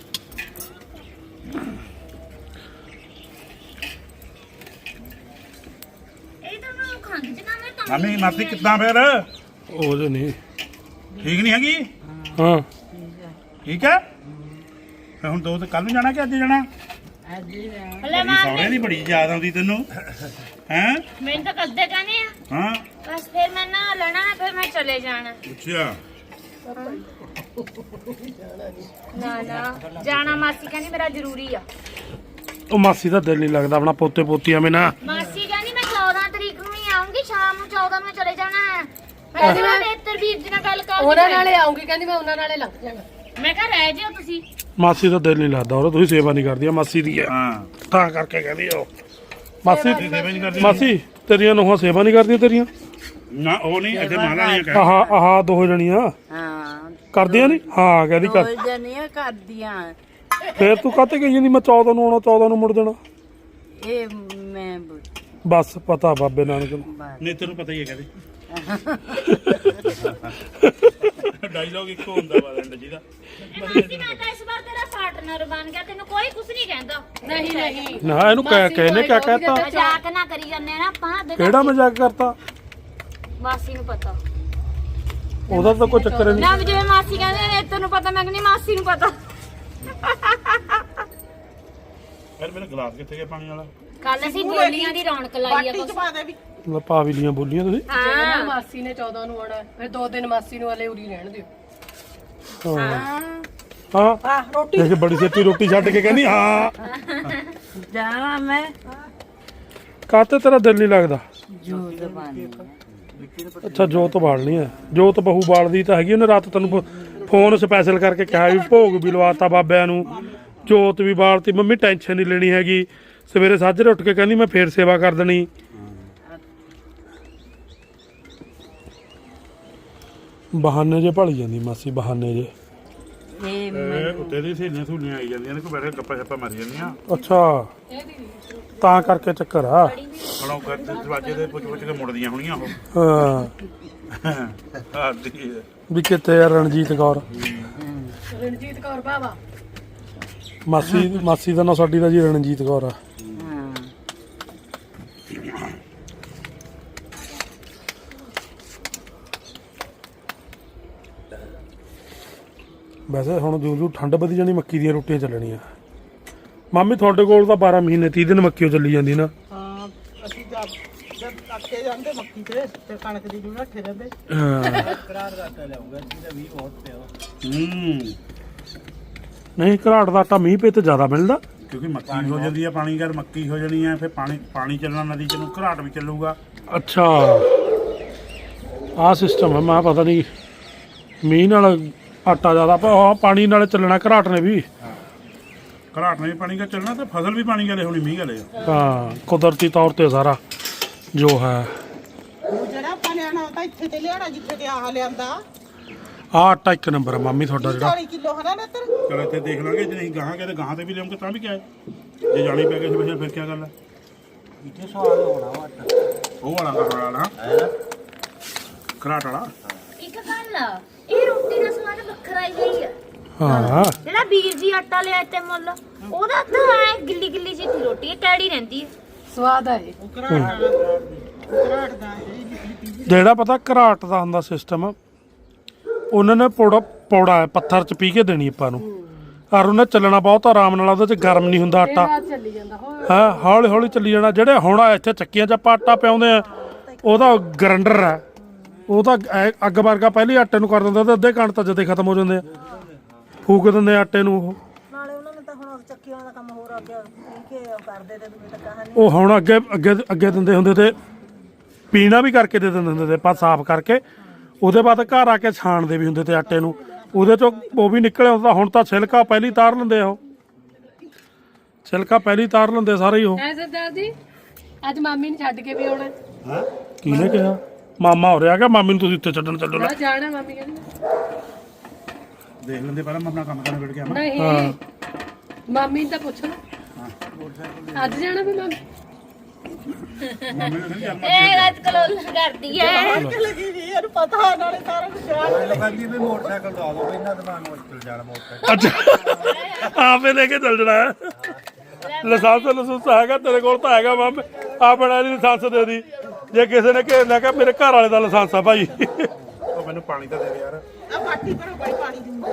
Speaker 2: ਇਹ ਤਾਂ ਮੈਂ ਖੰਗ ਚ ਨਾ ਮੈਂ ਤਾਂ
Speaker 1: ਮਾਮੀ ਮਾਸੀ ਕਿੱਦਾਂ ਫਿਰ
Speaker 5: ਉਹਦੇ ਨਹੀਂ
Speaker 1: ਠੀਕ ਨਹੀਂ ਹੈਗੀ
Speaker 5: ਹਾਂ
Speaker 1: ਠੀਕ ਹੈ ਫਿਰ ਹੁਣ ਦੋ ਤੇ ਕੱਲ ਨੂੰ ਜਾਣਾ ਕਿ ਅੱਜ ਜਾਣਾ
Speaker 2: ਹਲੇ ਮਾਰ
Speaker 1: ਸੌਰੇ ਦੀ ਬੜੀ ਯਾਦ ਆਉਂਦੀ ਤੈਨੂੰ ਹੈਂ
Speaker 2: ਮੈਨੂੰ ਤਾਂ ਕਦੇ ਕਹਿੰਦੇ ਆ
Speaker 1: ਹਾਂ
Speaker 2: ਬਸ ਫਿਰ ਮੈਂ ਨਾ ਲੈਣਾ ਨਾ ਫਿਰ ਮੈਂ ਚਲੇ ਜਾਣਾ
Speaker 1: ਅੱਛਾ
Speaker 2: ਨਾ ਜਾਣਾ ਮਾਸੀ ਕਹਿੰਦੀ ਮੇਰਾ ਜ਼ਰੂਰੀ ਆ
Speaker 5: ਉਹ ਮਾਸੀ ਦਾ ਦਿਲ ਨਹੀਂ ਲੱਗਦਾ ਆਪਣਾ ਪੋਤੇ ਪੋਤੀਆਂ ਮੇ ਨਾ
Speaker 2: ਮਾਸੀ ਕਹਿੰਦੀ ਮੈਂ 14 ਤਰੀਕ ਨੂੰ ਹੀ ਆਉਂਗੀ ਸ਼ਾਮ ਨੂੰ 14 ਨੂੰ ਚਲੇ ਜਾਣਾ ਹੈ ਮੈਂ ਕਿਹਾ ਮੈਂ ਵੀਰ ਜੀ ਨਾਲ ਗੱਲ ਕਰ
Speaker 6: ਉਹਨਾਂ ਨਾਲੇ ਆਉਂਗੀ ਕਹਿੰਦੀ ਮੈਂ ਉਹਨਾਂ ਨਾਲੇ ਲੰਘ ਜਾਣਾ
Speaker 2: ਮੈਂ ਕਿਹਾ ਰਹਿ ਜਿਓ ਤੁਸੀਂ
Speaker 5: ਮਾਸੀ ਦਾ ਦਿਲ ਨਹੀਂ ਲੱਗਦਾ ਉਹ ਤੁਸੀਂ ਸੇਵਾ ਨਹੀਂ ਕਰਦੀਆਂ ਮਾਸੀ ਦੀ ਹੈ
Speaker 1: ਹਾਂ
Speaker 5: ਤਾਂ ਕਰਕੇ ਕਹਿੰਦੀ ਉਹ ਮਾਸੀ
Speaker 1: ਸੇਵਾ ਨਹੀਂ ਕਰਦੀ
Speaker 5: ਮਾਸੀ ਤੇਰੀਆਂ ਨੂੰਹਾਂ ਸੇਵਾ ਨਹੀਂ ਕਰਦੀਆਂ ਤੇਰੀਆਂ
Speaker 1: ਨਾ ਉਹ ਨਹੀਂ ਇੱਥੇ ਮਾਲਾ ਨਹੀਂ ਕਹਿ
Speaker 5: ਆਹ ਦੋ ਜਣੀਆਂ
Speaker 7: ਹਾਂ
Speaker 5: ਕਰਦੀਆਂ ਨਹੀਂ ਹਾਂ ਕਹਿੰਦੀ ਕਰ
Speaker 7: ਦੋ ਜਣੀਆਂ ਕਰਦੀਆਂ
Speaker 5: ਫੇਰ ਤੂੰ ਕਾਹਤੇ ਕਹੀ ਜਾਂਦੀ ਮੈਂ 14 ਨੂੰ ਆਉਣਾ 14 ਨੂੰ ਮੁੜ ਜਾਣਾ
Speaker 7: ਇਹ ਮੈਂ
Speaker 5: ਬਸ ਪਤਾ ਬਾਬੇ ਨਾਨਕ ਨੂੰ
Speaker 1: ਨਹੀਂ ਤੈਨੂੰ ਪਤਾ ਹੀ ਹੈ ਕਹਿੰਦੇ ਡਾਇਲੌਗ ਇੱਕੋ ਹੁੰਦਾ ਵਾ ਐਂਡ ਜਿਹਦਾ
Speaker 2: ਮਾਸੀ ਮੈਂ ਤਾਂ ਇਸ ਵਾਰ ਤੇਰਾ ਪਾਰਟਨਰ ਬਣ ਗਿਆ ਤੈਨੂੰ ਕੋਈ ਕੁਝ ਨਹੀਂ ਕਹਿੰਦਾ
Speaker 6: ਨਹੀਂ ਨਹੀਂ
Speaker 5: ਨਾ ਇਹਨੂੰ ਕਹਿਨੇ ਕਿਆ ਕਹਿਤਾ
Speaker 2: ਮਜ਼ਾਕ ਨਾ ਕਰੀ ਜਾਂਦੇ ਨਾ ਆਪਾਂ ਦੇਖੋ
Speaker 5: ਕਿਹੜਾ ਮਜ਼ਾਕ ਕਰਤਾ
Speaker 2: ਮਾਸੀ ਨੂੰ ਪਤਾ
Speaker 5: ਉਹਦਾ ਤਾਂ ਕੋਈ ਚੱਕਰ ਹੀ ਨਹੀਂ
Speaker 2: ਨਾ ਜਿਵੇਂ ਮਾਸੀ ਕਹਿੰਦੇ ਨੇ ਤੈਨੂੰ ਪਤਾ ਮੈਂ ਕਹਿੰਦੀ ਮਾਸੀ ਨੂੰ ਪਤਾ
Speaker 1: ਫਿਰ ਮੇਰੇ ਗਲਾਸ ਕਿੱਥੇ ਗਿਆ ਪਾਣੀ ਵਾਲਾ?
Speaker 2: ਕੱਲ ਅਸੀਂ ਬੋਲੀਆਂ ਦੀ ਰੌਣਕ ਲਾਈ ਆ
Speaker 4: ਬਾਟੀ ਚ ਪਾ ਦੇ ਵੀ
Speaker 5: ਲੈ ਪਾ ਵੀ ਲੀਆਂ ਬੋਲੀਆਂ ਤੁਸੀਂ।
Speaker 6: ਨਾ ਮਾਸੀ ਨੇ 14 ਨੂੰ ਆਉਣਾ ਫਿਰ 2 ਦਿਨ ਮਾਸੀ ਨੂੰ ਹਲੇ ਉਰੀ ਰਹਿਣ ਦਿਓ।
Speaker 5: ਹਾਂ
Speaker 3: ਆ ਰੋਟੀ
Speaker 5: ਦੇਖ ਬੜੀ ਛੇਤੀ ਰੋਟੀ ਛੱਡ ਕੇ ਕਹਿੰਦੀ ਹਾਂ।
Speaker 7: ਜਾਣਾ ਮੈਂ
Speaker 5: ਕਾਤੇ ਤੇਰਾ ਦਿਲ ਨਹੀਂ ਲੱਗਦਾ?
Speaker 7: ਜੋ ਜ਼ਬਾਨੀ
Speaker 5: ਅੱਛਾ ਜੋਤ ਬਾਲਣੀ ਹੈ। ਜੋਤ ਬਹੂ ਬਾਲਦੀ ਤਾਂ ਹੈਗੀ, ਉਹਨੇ ਰਾਤ ਤੈਨੂੰ ਫੋਨ ਸਪੈਸ਼ਲ ਕਰਕੇ ਕਿਹਾ ਵੀ ਭੋਗ ਵੀ ਲਵਾਤਾ ਬਾਬਿਆਂ ਨੂੰ, ਜੋਤ ਵੀ ਬਾਲਤੀ। ਮੰਮੀ ਟੈਨਸ਼ਨ ਨਹੀਂ ਲੈਣੀ ਹੈਗੀ। ਸਵੇਰੇ ਸਾਜਰੇ ਉੱਠ ਕੇ ਕਹਿੰਦੀ ਮੈਂ ਫੇਰ ਸੇਵਾ ਕਰ ਦੇਣੀ। ਬਹਾਨੇ ਜੇ ਭਲੀ ਜਾਂਦੀ ਮਾਸੀ, ਬਹਾਨੇ ਜੇ।
Speaker 7: ਇਹ
Speaker 1: ਉੱਤੇ ਦੀ ਸਹੇਲੀਆਂ ਸਹੂਲੀਆਂ ਆਈ ਜਾਂਦੀਆਂ ਨੇ, ਕੋਈ ਬੈਠੇ ਗੱਪਾਂ ਛੱਪਾਂ ਮਾਰੀ ਜਾਂਦੀਆਂ।
Speaker 5: ਅੱਛਾ ਤਾਂ ਕਰਕੇ ਚੱਕਰ ਆ।
Speaker 1: ਹੁਣ ਉਹ ਦਰਵਾਜ਼ੇ ਦੇ ਪੁੱਛ ਪੁੱਛ ਕੇ ਮੁੜਦੀਆਂ ਹੋਣੀਆਂ ਉਹ।
Speaker 5: ਹਾਂ
Speaker 1: ਆਦੀ
Speaker 5: ਵੀ ਕਿੱਥੇ ਆ ਰਣਜੀਤ ਕੌਰ?
Speaker 6: ਰਣਜੀਤ ਕੌਰ ਬਾਵਾ
Speaker 5: ਮਾਸੀ ਦਾ ਨਾਂ ਸਾਡੀ ਦਾ ਜੀ ਰਣਜੀਤ ਕੌਰ ਆ।
Speaker 7: ਹਾਂ
Speaker 5: ਵੈਸੇ ਹੁਣ ਜੋ ਠੰਡ ਵਧੀ ਜਾਣੀ ਮੱਕੀ ਦੀਆਂ ਰੋਟੀਆਂ ਚੱਲਣੀਆਂ। ਮਾਮੀ ਤੁਹਾਡੇ ਕੋਲ ਤਾਂ 12 ਮਹੀਨੇ 30 ਦਿਨ ਮੱਕੀ ਓ ਚੱਲੀ ਜਾਂਦੀ ਨਾ।
Speaker 4: ਹਾਂ ਅਸੀਂ ਜਦ ਕੱਟੇ ਜਾਂਦੇ ਮੱਕੀ ਤੇ ਕਣਕ ਦੀ ਜੂਨਾ ਠੇ ਜਾਂਦੇ
Speaker 5: ਹਾਂ
Speaker 4: ਕਰਾਰ ਘਾਟਾ ਲਿਆਉਂਗਾ ਜਿਹਦਾ ਵੀ ਬਹੁਤ ਪਿਆ
Speaker 5: ਨਹੀਂ ਘਰਾਟ ਦਾ ਆਟਾ ਮੀਂਹ ਪੇ ਤੇ ਜ਼ਿਆਦਾ ਮਿਲਦਾ।
Speaker 1: ਕਿਉਂਕਿ ਮੱਕੀ ਹੋ ਜਾਂਦੀ ਆ, ਪਾਣੀ ਕਰ ਮੱਕੀ ਹੋ ਜਾਣੀ ਆ, ਫਿਰ ਪਾਣੀ ਚੱਲਣਾ ਨਦੀ ਚ ਨੂੰ, ਘਰਾਟ ਵੀ ਚੱਲੂਗਾ।
Speaker 5: ਅੱਛਾ ਆਹ ਸਿਸਟਮ ਹੈ। ਮੈਂ ਪਤਾ ਨਹੀਂ ਮੀਂਹ ਨਾਲ ਆਟਾ ਜ਼ਿਆਦਾ ਪਾਣੀ ਨਾਲ ਚੱਲਣਾ ਘਰਾਟ ਨੇ ਵੀ।
Speaker 1: ਘਰਾਟ ਨੇ ਵੀ ਪਾਣੀ ਕਾ ਚੱਲਣਾ ਤੇ ਫਸਲ ਵੀ ਪਾਣੀ ਗਲੇ ਹੋਣੀ ਮੀਂਹ ਗਲੇ।
Speaker 5: ਹਾਂ ਕੁਦਰਤੀ ਤੌਰ ਤੇ ਸਾਰਾ ਜੋ ਹੈ।
Speaker 4: ਉਹ ਜਿਹੜਾ ਆਪਾਂ ਲਿਆਣਾ ਉਹ ਤਾਂ ਇੱਥੇ ਤੇ ਲਿਆਣਾ ਜਿੱਥੇ ਤੇ ਆਹ ਲਿਆਂਦਾ।
Speaker 5: ਆਹ ਆਟਾ ਇੱਕ ਨੰਬਰ ਹੈ ਮਾਮੀ ਤੁਹਾਡਾ ਜਿਹੜਾ।
Speaker 4: 40 ਕਿਲੋ ਹਨਾ ਨਾ ਤੇਰੇ
Speaker 1: ਚਲ ਇੱਥੇ ਦੇਖ ਲਾਂਗੇ, ਜੇ ਨਹੀਂ ਗਾਹਾਂ ਕਹਿੰਦੇ ਗਾਹਾਂ ਤੇ ਵੀ ਲਿਆਉਂਗੇ ਤਾਂ ਵੀ ਕਿਆ ਹੈ। ਜੇ ਜਾਣੀ ਪੈ ਕਿਸੇ ਵੇਲੇ ਫਿਰ ਕਿਆ ਗੱਲ ਹੈ।
Speaker 8: ਇੱਥੇ ਸਵਾਦ ਹੋਣਾ ਵਾ
Speaker 1: ਉਹ ਵਾਲਾ ਘਰਾਟ ਵਾਲਾ ਘਰਾਟ ਵਾਲਾ।
Speaker 2: ਇੱਕ ਗੱਲ ਆ, ਇਹ ਰੋਟੀ ਦਾ ਸਵਾਦ ਵੱਖਰਾ ਹੀ ਆ।
Speaker 5: ਹਾਂ
Speaker 2: ਜਿਹੜਾ ਵੀਰ ਜੀ ਆਟਾ ਲਿਆ ਤੇ ਮੁੱਲ, ਉਹਦਾ ਤਾਂ ਐ ਗਿੱਲੀ ਗਿੱਲੀ ਜਿਹੀ ਰੋਟੀ ਹੈ, ਟੈੜੀ ਰਹਿੰਦੀ ਹੈ।
Speaker 6: ਸਵਾਦ ਆ ਇਹ।
Speaker 4: ਘਰਾਟ ਦਾ
Speaker 5: ਜਿਹੜਾ ਪਤਾ ਘਰਾਟ ਦਾ ਹੁੰਦਾ ਸਿਸਟਮ, ਉਹਨਾਂ ਨੇ ਪੌੜਾ ਹੈ ਪੱਥਰ 'ਚ ਪੀ ਕੇ ਦੇਣੀ ਆਪਾਂ ਨੂੰ। ਔਰ ਉਹਨੇ ਚੱਲਣਾ ਬਹੁਤ ਆਰਾਮ ਨਾਲ, ਉਹਦੇ 'ਚ ਗਰਮ ਨਹੀਂ ਹੁੰਦਾ ਆਟਾ।
Speaker 6: ਰਾਤ ਚੱਲੀ ਜਾਂਦਾ ਹੋਰ
Speaker 5: ਹਾਂ ਹੌਲੀ ਹੌਲੀ ਚੱਲੀ ਜਾਣਾ। ਜਿਹੜੇ ਹੁਣ ਇੱਥੇ ਚੱਕੀਆਂ 'ਚ ਆਪਾਂ ਆਟਾ ਪਿਆਉਂਦੇ ਆ, ਉਹਦਾ ਗਰੰਡਰ ਹੈ, ਉਹ ਤਾਂ ਅੱਗ ਵਰਗਾ ਪਹਿਲੇ ਆਟੇ ਨੂੰ ਕਰ ਦਿੰਦਾ ਤੇ ਅੱਧੇ ਘੰਟੇ ਤਾਂ ਜਦੇ ਖਤਮ ਹੋ ਜਾਂਦੇ ਆ, ਫੂਕ ਦਿੰਦੇ ਆਟੇ ਨੂੰ ਉਹ।
Speaker 3: ਨਾਲੇ ਉਹਨਾਂ ਨੇ ਤਾਂ ਹੁਣ ਚੱਕੀਆਂ ਦਾ ਕੰਮ ਹੋਰ ਅੱਗੇ ਕੇ ਕਰਦੇ ਤੇ ਦੂਏ ਤਾਂ ਕਹਾਣੀ
Speaker 5: ਉਹ ਹੁਣ ਅੱਗੇ ਦਿੰਦੇ ਹੁੰਦੇ ਤੇ ਪੀਣਾ ਵੀ ਕਰਕੇ ਦੇ ਦਿੰਦੇ ਹੁੰਦੇ ਤੇ ਆਪਾਂ ਸਾਫ਼ ਕਰਕੇ। ਉਹਦੇ ਬਾਅਦ ਘਰ ਆ ਕੇ ਛਾਣਦੇ ਵੀ ਹੁੰਦੇ ਤੇ ਆਟੇ ਨੂੰ, ਉਹਦੇ ਚੋਂ ਉਹ ਵੀ ਨਿਕਲਿਆ ਹੁੰਦਾ। ਹੁਣ ਤਾਂ ਛਿਲਕਾ ਪਹਿਲੀ ਤਾਰ ਲੈਂਦੇ ਆ, ਉਹ ਛਿਲਕਾ ਪਹਿਲੀ ਤਾਰ ਲੈਂਦੇ ਸਾਰੇ ਹੀ ਉਹ।
Speaker 6: ਐ ਸਰਦਾਰ ਜੀ ਅੱਜ ਮਾਮੀ ਨੂੰ ਛੱਡ ਕੇ ਵੀ ਆਉਣਾ।
Speaker 5: ਕਿਹਨੇ ਕਿਹਾ? ਮਾਮਾ ਹੋ ਰਿਹਾ ਕਿ ਮਾਮੀ ਨੂੰ ਤੁਸੀਂ ਉੱਥੇ ਛੱਡਣ ਚੱਲੋ ਨਾ?
Speaker 6: ਮੈਂ ਜਾਣਾ ਮਾਮੀ ਕਹਿੰਦੀ
Speaker 1: ਦੇਖ ਲੈਂਦੇ ਪਹਿਲਾਂ ਮੈਂ ਆਪਣਾ ਕੰਮ ਕਰਨ ਵੇੜ ਕੇ ਆਵਾਂ।
Speaker 6: ਨਹੀਂ ਮਾਮੀ ਨੂੰ ਤਾਂ ਪੁੱਛ ਲਓ ਅੱਜ ਜਾਣਾ ਵੀ ਮਾਮੀ।
Speaker 1: ਮੰਮੀ ਨੂੰ ਕਹਿੰਦੀ ਚੱਲ
Speaker 2: ਇਹ ਰਾਤ ਕਲੋਲ ਕਰਦੀ ਹੈ।
Speaker 4: ਲੱਗੀ ਵੀ ਇਹਨੂੰ ਪਤਾ ਨਾਲੇ ਸਾਰਾ ਕੁਝ ਯਾਦ
Speaker 8: ਕਹਿੰਦੀ ਵੀ ਮੋਟਰਸਾਈਕਲ ਦਵਾ ਦੋ, ਇਹਨਾਂ ਦਿਮਾਗ ਨੂੰ ਮੁਸ਼ਕਿਲ ਜਾਣਾ ਮੋਟਰਸਾਈਕਲ।
Speaker 5: ਅੱਛਾ ਆਪੇ ਲੈ ਕੇ ਚੱਲ ਜਣਾ ਹੈ। ਲਾਇਸੈਂਸ ਹੈਗਾ ਤੇਰੇ ਕੋਲ ਤਾਂ ਹੈਗਾ ਮਾਮੇ, ਆਪਣਾ ਲਾਇਸੈਂਸ ਦੇ ਦੀ। ਜੇ ਕਿਸੇ ਨੇ ਘੇਰਨਾ ਕਿ ਮੇਰੇ ਘਰ ਵਾਲੇ ਦਾ ਲਾਇਸੈਂਸ ਆ ਭਾਈ।
Speaker 1: ਉਹ ਮੈਨੂੰ ਪਾਣੀ ਤਾਂ ਦੇ ਯਾਰ।
Speaker 4: ਆ ਬਾਟੀ ਭਰੋ ਬਾਈ ਪਾਣੀ ਦੀ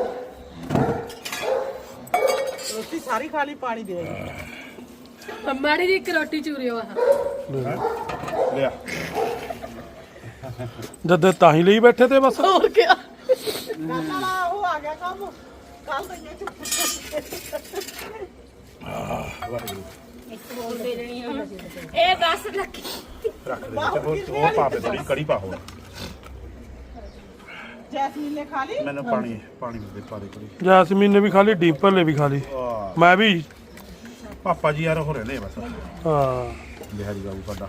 Speaker 4: ਰੋਟੀ ਸਾਰੀ ਖਾ ਲਈ, ਪਾਣੀ ਦੇ
Speaker 6: ਮਾੜੀ ਜੀ ਇੱਕ ਰੋਟੀ ਚੂਰਿਓ ਆਹ
Speaker 1: ਲਿਆ
Speaker 5: ਜਦ ਤਾਂ ਹੀ ਲਈ ਬੈਠੇ ਤੇ ਬਸ।
Speaker 6: ਹੋਰ ਕੀ
Speaker 4: ਕੱਲ ਵਾਲਾ ਉਹ ਆ ਗਿਆ ਕੰਮ, ਕੱਲ ਤਾਂ ਇਹ ਚੁੱਪ
Speaker 2: ਇਹ ਬਸ ਲੱਗੀ
Speaker 1: ਰੱਖ ਦੇ ਤੇ ਹੋਰ ਪਾ ਦੇ, ਥੋੜੀ ਕੜੀ ਪਾ ਹੋਰ।
Speaker 4: ਜੈਸਮੀਨ ਨੇ ਖਾ ਲਈ।
Speaker 1: ਮੈਨੂੰ ਪਾਣੀ ਦੇ ਪਾ ਦੇ ਕੜੀ।
Speaker 5: ਜੈਸਮੀਨ ਨੇ ਵੀ ਖਾ ਲਈ, ਡੀਪਰ ਨੇ ਵੀ ਖਾ ਲਈ,
Speaker 1: ਵਾਹ
Speaker 5: ਮੈਂ ਵੀ।
Speaker 1: ਪਾਪਾ ਜੀ ਯਾਰ ਉਹ ਰਹਿੰਦੇ ਆ ਬਸ।
Speaker 5: ਹਾਂ
Speaker 1: ਬਿਹਾਰੀ ਬਾਬੂ ਸਾਡਾ।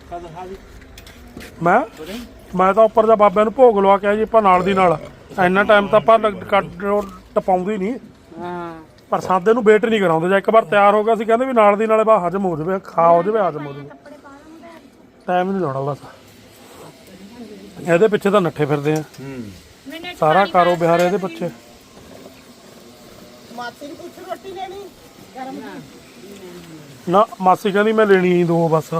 Speaker 5: ਮੈਂ ਤਾਂ ਉੱਪਰ ਜਾ ਬਾਬਿਆਂ ਨੂੰ ਭੋਗ ਲਵਾ ਕੇ ਆਇਆ ਜੀ ਆਪਾਂ ਨਾਲ ਦੀ ਨਾਲ। ਇੰਨਾ ਟਾਈਮ ਤਾਂ ਆਪਾਂ ਟਪਾਉਂਦੇ ਹੀ ਨਹੀਂ,
Speaker 7: ਹਾਂ
Speaker 5: ਪਰ ਸਾਦੇ ਨੂੰ ਵੇਟ ਨਹੀਂ ਕਰਾਉਂਦੇ। ਜਾਂ ਇੱਕ ਵਾਰ ਤਿਆਰ ਹੋ ਗਿਆ ਸੀ ਕਹਿੰਦੇ ਵੀ ਨਾਲ ਦੀ ਨਾਲੇ ਬਾ ਹਜਮ ਹੋ ਜਾਵੇ, ਖਾ ਹੋ ਜਾਵੇ, ਹਜਮ ਹੋ ਜਾਵੇ। ਟਾਈਮ ਨਹੀਂ ਲਾਉਣਾ ਬਸ। ਇਹਦੇ ਪਿੱਛੇ ਤਾਂ ਨੱਠੇ ਫਿਰਦੇ ਆ ਸਾਰਾ ਕਾਰੋ ਬਿਹਾਰ ਇਹਦੇ ਪਿੱਛੇ।
Speaker 4: ਮਾਤੀ ਨੂੰ ਪੁੱਛ ਰੋਟੀ ਲੈਣੀ ਗਰਮ
Speaker 5: ਨਾ ਮਾਸੀ ਕਹਿੰਦੀ ਮੈਂ ਲੈਣੀ ਹੀ ਦੋ ਬਸ।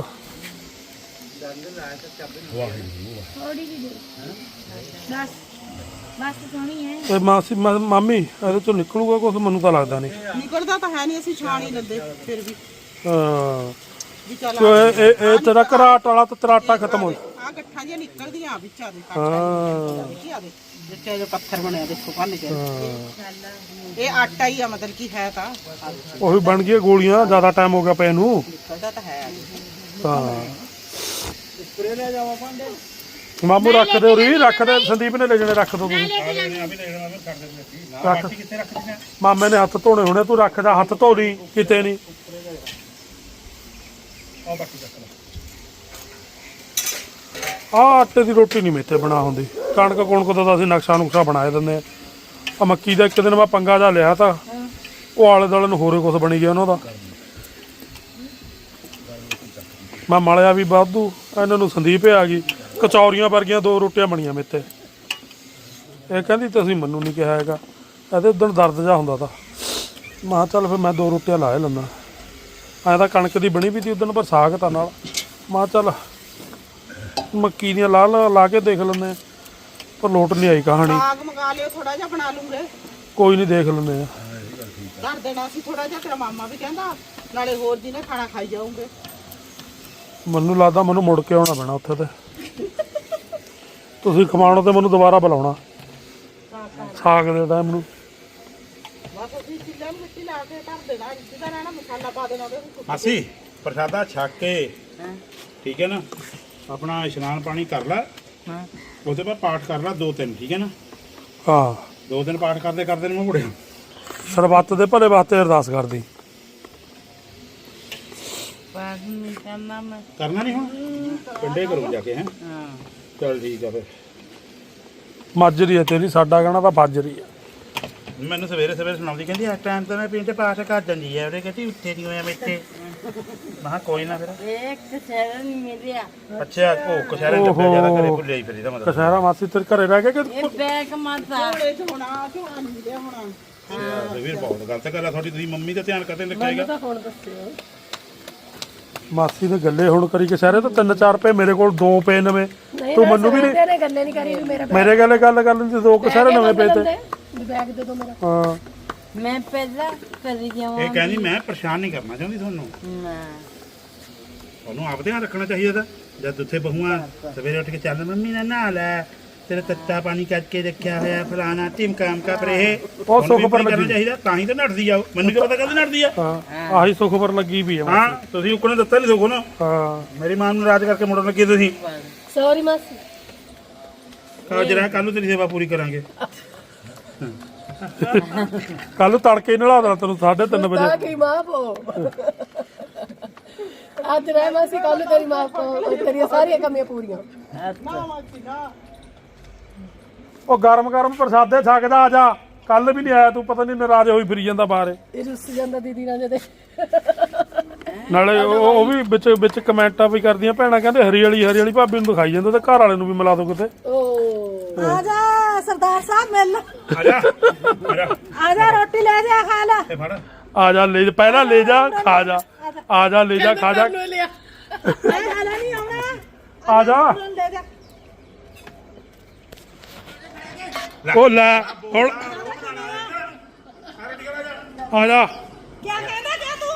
Speaker 2: ਬਸ ਸੋਹਣੀ ਹੈ।
Speaker 5: ਤੇ ਮਾਮੀ ਇਹਦੇ ਚੋਂ ਨਿਕਲੂਗਾ ਕੁਝ? ਮੈਨੂੰ ਤਾਂ ਲੱਗਦਾ ਨਹੀਂ।
Speaker 4: ਨਿਕਲਦਾ ਤਾਂ ਹੈ ਨਹੀਂ, ਅਸੀਂ ਛਾਣ ਹੀ ਲੈਂਦੇ ਫਿਰ ਵੀ
Speaker 5: ਹਾਂ
Speaker 4: ਵੀ ਚੱਲ
Speaker 5: ਤੋ ਇਹ ਤੇਰਾ ਘਰਾਟ ਵਾਲਾ ਤਾਂ ਤੇਰਾ ਆਟਾ ਖਤਮ ਹੋ
Speaker 4: ਆ ਗੱਠਾਂ ਜਿਹੀਆਂ ਨਿਕਲਦੀਆਂ ਵਿੱਚਾਂ ਦੇ
Speaker 5: ਹਾਂ
Speaker 4: ਵਿੱਚ ਆ ਦੇ ਜਿੱਥੇ ਜੋ ਪੱਥਰ ਬਣਿਆ ਦੇਖੋ ਭੰਨ ਕੇ ਇਹ ਆਟਾ ਹੀ ਆ, ਮਤਲਬ ਕੀ ਹੈ ਤਾਂ
Speaker 5: ਉਹੀ ਬਣ ਗਈਆਂ ਗੋਲੀਆਂ। ਜ਼ਿਆਦਾ ਟਾਈਮ ਹੋ ਗਿਆ ਪਏ ਨੂੰ।
Speaker 4: ਨਿਕਲਦਾ ਤਾਂ ਹੈ।
Speaker 5: ਹਾਂ ਮਾਮੂ ਰੱਖ ਦੇ ਉਰੀ, ਰੱਖ ਦੇ। ਸੰਦੀਪ ਨੇ ਲੈ ਜਾਣੇ, ਰੱਖ ਦੋ ਤੁਸੀਂ। ਰੱਖ ਮਾਮੇ ਨੇ ਹੱਥ ਧੋਣੇ ਹੋਣੇ, ਤੂੰ ਰੱਖ ਜਾ। ਹੱਥ ਧੋ ਲਈ ਕਿਤੇ ਨਹੀਂ। ਆਹ ਆਟੇ ਦੀ ਰੋਟੀ ਨਹੀਂ ਮੇਥੇ ਬਣਾ ਹੁੰਦੀ। ਕਣਕ ਕੁਣਕ ਦਾ ਤਾਂ ਅਸੀਂ ਨਕਸ਼ਾ ਨੁਕਸ਼ਾ ਬਣਾਏ ਦਿੰਦੇ ਆ। ਮੱਕੀ ਦਾ ਇੱਕ ਦਿਨ ਮੈਂ ਪੰਗਾ ਜਾ ਲਿਆ ਤਾਂ ਉਹ ਆਲੇ ਦੁਆਲੇ ਨੂੰ ਹੋਰੇ ਕੁਛ ਬਣੀ ਗਿਆ ਉਹਨਾਂ ਦਾ। ਮੈਂ ਮਲਿਆ ਵੀ ਵਾਧੂ। ਇਹਨਾਂ ਨੂੰ ਸੰਦੀਪ ਆ ਗਈ, ਕਚੌਰੀਆਂ ਵਰਗੀਆਂ 2 ਰੋਟੀਆਂ ਬਣੀਆਂ ਮੇਤੇ। ਇਹ ਕਹਿੰਦੀ ਤੁਸੀਂ ਮੈਨੂੰ ਨਹੀਂ ਕਿਹਾ ਹੈਗਾ। ਇਹਦੇ ਉਦੋਂ ਦਰਦ ਜਾ ਹੁੰਦਾ ਤਾਂ ਮੈਂ ਕਿਹਾ ਚੱਲ ਫਿਰ ਮੈਂ 2 ਰੋਟੀਆਂ ਲਾ ਹੀ ਲੈਂਦਾ। ਐਂ ਤਾਂ ਕਣਕ ਦੀ ਬਣੀ ਵੀ ਤੀ ਉਦੋਂ, ਪਰ ਸਾਗ ਤਾਂ ਨਾਲ। ਮੈਂ ਕਿਹਾ ਚੱਲ ਮੱਕੀ ਦੀਆਂ ਲਾ ਕੇ ਦੇਖ ਲੈਂਦੇ, ਪਰ ਲੋਟ ਨਹੀਂ ਆਈ ਕਹਾਣੀ।
Speaker 4: ਸਾਗ ਮੰਗਾ ਲਿਓ, ਥੋੜਾ ਜਿਹਾ ਬਣਾ ਲੂੰਗੇ।
Speaker 5: ਕੋਈ ਨਹੀਂ, ਦੇਖ ਲੈਂਦੇ ਆ।
Speaker 4: ਕਰ ਦੇਣਾ ਸੀ ਥੋੜਾ ਜਿਹਾ, ਤੇਰਾ ਮਾਮਾ ਵੀ ਕਹਿੰਦਾ ਨਾਲੇ ਹੋਰ ਜਿਹਨੇ ਖਾਣਾ ਖਾਈ ਜਾਊਂਗੇ।
Speaker 5: ਮੈਨੂੰ ਲੱਗਦਾ ਮੈਨੂੰ ਮੁੜ ਕੇ ਆਉਣਾ ਪੈਣਾ ਉੱਥੇ ਤੇ। ਤੁਸੀਂ ਖਵਾਉਣ ਤੇ ਮੈਨੂੰ ਦੁਬਾਰਾ ਬੁਲਾਉਣਾ ਸਾਗ ਦੇ ਟਾਈਮ ਨੂੰ।
Speaker 4: ਬਸ ਅਸੀਂ ਚਿੱਲਿਆਂ ਨੂੰ ਮਿੱਟੀ ਲਾ ਕੇ ਧਰ ਦੇਣਾ, ਜਿਹਦਾ ਰਹਿਣਾ ਮਸਾਲਾ ਪਾ ਦੇਣਾ ਉਹਦੇ ਵਿੱਚ।
Speaker 1: ਮਾਸੀ ਪ੍ਰਸ਼ਾਦਾ ਛੱਕ ਕੇ ਠੀਕ ਹੈ ਨਾ, ਆਪਣਾ ਇਸ਼ਨਾਨ ਪਾਣੀ ਕਰ ਲੈ। ਉਹਦੇ ਬਾਅਦ ਪਾਠ ਕਰ ਲੈ 2-3, ਠੀਕ ਹੈ ਨਾ।
Speaker 5: ਹਾਂ
Speaker 1: 2 ਦਿਨ ਪਾਠ ਕਰਦੇ ਕਰਦੇ ਨੂੰ ਮੈਂ ਮੁੜਿਆ।
Speaker 5: ਸਰਬੱਤ ਦੇ ਭਲੇ ਵਾਸਤੇ ਅਰਦਾਸ ਕਰਦੀ।
Speaker 7: ਬਾਅਦ ਵਿੱਚ ਕਰਨਾ ਮੈਂ।
Speaker 1: ਕਰਨਾ ਨਹੀਂ ਹੁਣ, ਪਿੰਡੇ ਕਰੂੰ ਜਾ ਕੇ। ਹੈ
Speaker 7: ਹਾਂ
Speaker 1: ਚਲ ਠੀਕ ਆ ਫਿਰ।
Speaker 5: ਮਾਜਰੀ ਹੈ ਤੇਰੀ, ਸਾਡਾ ਕਹਿਣਾ ਤਾਂ ਬਾਜਰੀ ਹੈ।
Speaker 1: ਮੈਨੂੰ ਸਵੇਰੇ ਸੁਣਾਉਂਦੀ, ਕਹਿੰਦੀ ਇਸ ਟਾਈਮ ਤਾਂ ਮੈਂ ਪਿੰਡ ਪਾਠ ਕਰ ਜਾਂਦੀ ਹੈ। ਉਹਦੇ ਕਹਿੰਦੀ ਉੱਥੇ ਨਹੀਂ ਹੋਇਆ ਮੇਥੇ। ਮੈਂ ਕਿਹਾ ਕੋਈ ਨਾ ਫਿਰ।
Speaker 7: ਇੱਕ ਸ਼ਹਿਰ ਨਹੀਂ ਮਿਲਿਆ।
Speaker 1: ਅੱਛਾ ਉਹ ਕਸ਼ਹਿਰੇ ਡੱਬੇ ਜਿਆਦਾ ਘਰੇ ਭੁੱਲਿਆ ਹੀ ਫਿਰ ਇਹਦਾ ਮਤਲਬ।
Speaker 5: ਕਸ਼ਹਿਰਾ ਮਾਸੀ ਤੇਰੇ ਘਰੇ ਰਹਿ ਕੇ ਕਿ
Speaker 7: ਇਹ ਬੈਗ ਮਾਤਾ
Speaker 4: ਝੋਲੇ ਚ ਹੋਣਾ, ਝੋਲਾ ਨਹੀਂ ਮਿਲਿਆ ਹੋਣਾ।
Speaker 1: ਵੀਰ ਬਹੁਤ ਗਲਤ ਗੱਲ ਆ ਤੁਹਾਡੀ। ਤੁਸੀਂ ਮੰਮੀ ਦਾ ਧਿਆਨ ਕਰਦੇ ਰੱਖਿਆਗਾ।
Speaker 6: ਹੁਣ ਦੱਸਿਓ
Speaker 5: ਮਾਸੀ ਨੇ ਗੱਲੇ ਹੁਣ ਕਰੀ ਕਸ਼ਹਿਰੇ ਤਾਂ 3-4 ਪਏ ਮੇਰੇ ਕੋਲ, 2 ਪਏ ਨਵੇਂ। ਤੂੰ ਮੈਨੂੰ ਵੀ ਨਹੀਂ
Speaker 6: ਨੇ ਗੱਲੇ ਨਹੀਂ ਕਰੀ ਵੀ ਮੇਰਾ
Speaker 5: ਮੇਰੇ ਗੱਲ ਕਰਨ ਤੇ 2 ਕਸ਼ਹਿਰੇ ਨਵੇਂ ਪਏ ਤੇ।
Speaker 6: ਬੈਗ ਦੇ ਦੋ ਮੇਰਾ।
Speaker 5: ਹਾਂ
Speaker 7: ਮੈਂ ਪਹਿਲਾਂ ਕਰੀ ਜਾਵਾਂ।
Speaker 1: ਇਹ ਕਹਿੰਦੀ ਮੈਂ ਪਰੇਸ਼ਾਨ ਨਹੀਂ ਕਰਨਾ ਚਾਹੁੰਦੀ ਤੁਹਾਨੂੰ।
Speaker 7: ਨਾ
Speaker 1: ਤੁਹਾਨੂੰ ਆਪ ਧਿਆਨ ਰੱਖਣਾ ਚਾਹੀਦਾ ਤਾਂ। ਜਦ ਉੱਥੇ ਬਹੂਆਂ ਸਵੇਰੇ ਉੱਠ ਕੇ ਚੱਲ ਮੰਮੀ ਨਾਲ ਨਹਾ ਲੈ, ਤੇਰਾ ਤੱਤਾ ਪਾਣੀ ਕਰਕੇ ਰੱਖਿਆ ਹੋਇਆ ਫਲਾਣਾ ਢਿਮਕਾਮ ਕਾ। ਪਰ ਇਹ
Speaker 5: ਉਹ ਸੁੱਖ ਪਰ
Speaker 1: ਕਰਨਾ
Speaker 5: ਲੱਗੀ।
Speaker 1: ਚਾਹੀਦਾ, ਤਾਂ ਹੀ ਤਾਂ ਨੱਠਦੀ ਆ। ਮੈਨੂੰ ਕੀ ਪਤਾ ਕਦੋਂ ਨੱਠਦੀ ਆ।
Speaker 5: ਹਾਂ ਆਹੀ ਸੁੱਖ ਪਰ ਲੱਗੀ ਵੀ ਆ।
Speaker 1: ਹਾਂ ਤੁਸੀਂ ਉੱਕਣੇ ਦਿੱਤਾ ਨਹੀਂ ਦੇਖੋ ਨਾ।
Speaker 5: ਹਾਂ
Speaker 1: ਮੇਰੀ ਮਾਂ ਨੂੰ ਨਾਰਾਜ਼ ਕਰਕੇ ਮੁੜਨ ਲੱਗੇ ਤੁਸੀਂ।
Speaker 6: ਸੌਰੀ ਮਾਸੀ।
Speaker 1: ਜਰਾ ਕੱਲ ਨੂੰ ਤੇਰੀ ਸੇਵਾ ਪੂਰੀ ਕਰਾਂਗੇ।
Speaker 5: ਕੱਲ ਨੂੰ ਤੜਕੇ ਹੀ ਨਲਾ ਦੇਣਾ ਤੈਨੂੰ 3:30
Speaker 6: ਤਾਂ
Speaker 5: ਵਜੇ।
Speaker 6: ਕੀ ਮਾਫ ਹੋ। ਅੱਜ ਰਹਿ ਮਾਸੀ, ਕੱਲ ਤੇਰੀ ਮਾਫ ਹੋ, ਤੇਰੀਆਂ ਸਾਰੀਆਂ ਕਮੀਆਂ ਪੂਰੀਆਂ।
Speaker 5: ਉਹ ਗਰਮ ਪ੍ਰਸਾਦੇ ਛਕਦਾ ਆ ਜਾ। ਕੱਲ ਵੀ ਨਹੀਂ ਆਇਆ ਤੂੰ, ਪਤਾ ਨਹੀਂ ਨਾਰਾਜ਼ ਹੋਈ ਫਿਰੀ ਜਾਂਦਾ ਬਾਹਰ।
Speaker 6: ਇਹ ਰੁੱਸ ਜਾਂਦਾ ਦੀਦੀ ਨਾਲ ਜਦੇ।
Speaker 5: ਨਾਲੇ ਉਹ ਵੀ ਵਿੱਚ ਕਮੈਂਟਾਂ ਵੀ ਕਰਦੀਆਂ ਭੈਣਾਂ, ਕਹਿੰਦੇ ਹਰੀ ਵਾਲੀ ਭਾਬੀ ਨੂੰ ਦਿਖਾਈ ਜਾਂਦਾ ਤੇ ਘਰ ਵਾਲੇ ਨੂੰ ਵੀ ਮਿਲਾ ਦੋ ਕਿਤੇ।
Speaker 6: ਓ
Speaker 3: ਆ ਜਾ ਸਰਦਾਰ ਸਾਹਿਬ ਮਿਲ ਲਓ।
Speaker 1: ਆ ਜਾ ਆ ਜਾ
Speaker 3: ਆ ਜਾ ਰੋਟੀ ਲੈ ਜਾ ਖਾ ਲੈ।
Speaker 1: ਇਹ ਫੜ।
Speaker 5: ਆ ਜਾ ਲੈ ਜਾ, ਪਹਿਲਾਂ ਲੈ ਜਾ ਖਾ ਜਾ। ਆ ਜਾ ਲੈ ਜਾ ਖਾ ਜਾ।
Speaker 6: ਲੈ ਲਿਆ।
Speaker 3: ਮੈਂ ਹਾਲਾ ਨਹੀਂ ਆਉਣਾ।
Speaker 5: ਆ ਜਾ।
Speaker 3: ਲੈ ਜਾ।
Speaker 5: ਉਹ ਲੈ ਹੁਣ ਆ ਜਾ।
Speaker 3: ਕੀ ਕਹਿੰਦਾ ਕਿਆ ਤੂੰ?